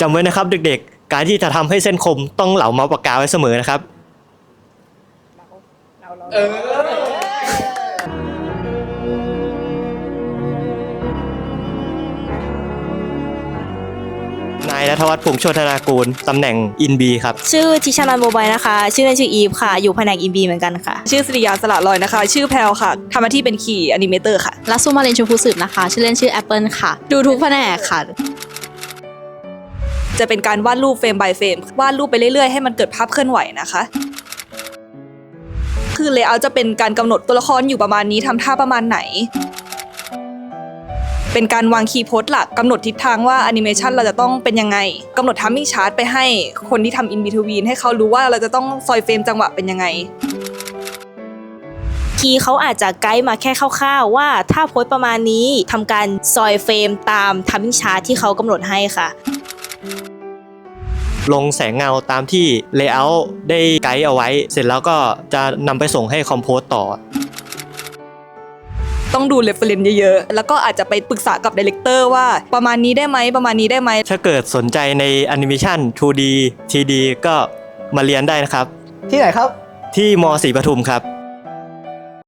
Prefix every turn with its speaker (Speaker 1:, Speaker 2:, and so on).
Speaker 1: จำไว้นะครับเด็กๆการที่จะทำให้เส้นคมต้องเหลาเมาส์ปากกาไว้เสมอนะครับนายณัฐวัฒน์ พงษ์โชตินากูลตำแหน่งอินบีครับ
Speaker 2: ชื่อทิชานันท์โมบายนะคะชื่อเล่นชื่ออีฟค่ะอยู่แผนกอินบีเหมือนกันค่ะ
Speaker 3: ชื่อสิริยาสละลอยนะคะ ชื่อแพลวค่ะทำหน้าที่เป็นคีย์แอนิเมเตอร์ค่ะ
Speaker 4: ลักซูมาเรนชมพูสืบนะคะชื่อเล่นชื่อแอปเปิลค่ะดูทุกแผนกค่ะ
Speaker 3: จะเป็นการวาดรูปเฟรม by เฟรมวาดรูปไปเรื่อยๆให้มันเกิดภาพเคลื่อนไหวนะคะคือเลเยอร์จะเป็นการกำหนดตัวละครอยู่ประมาณนี้ทำท่าประมาณไหนเป็นการวางคีย์โพสต์หลักกำหนดทิศทางว่าแอนิเมชันเราจะต้องเป็นยังไงกำหนดทัมมิ่งชาร์ตไปให้คนที่ทำอินบิทวีนให้เขารู้ว่าเราจะต้องซอยเฟรมจังหวะเป็นยังไง
Speaker 2: คีย์เขาอาจจะไกด์มาแค่คร่าวๆว่าถ้าโพสต์ประมาณนี้ทำการซอยเฟรมตามทัมมิ่งชาร์ตที่เขากำหนดให้ค่ะ
Speaker 1: ลงแสงเงาตามที่ Layout ได้ไกด์เอาไว้เสร็จแล้วก็จะนำไปส่งให้คอมโพสต่อ
Speaker 3: ต้องดู reference เยอะๆแล้วก็อาจจะไปปรึกษากับดีเลกเตอร์ว่าประมาณนี้ได้ไหมประมาณนี้ได้ไหม
Speaker 1: ถ้าเกิดสนใจในแอนิเมชัน 2D 3D ก็มาเรียนได้นะครับ
Speaker 5: ที่ไหนครับ
Speaker 1: ที่ม.ศรีปทุมครับ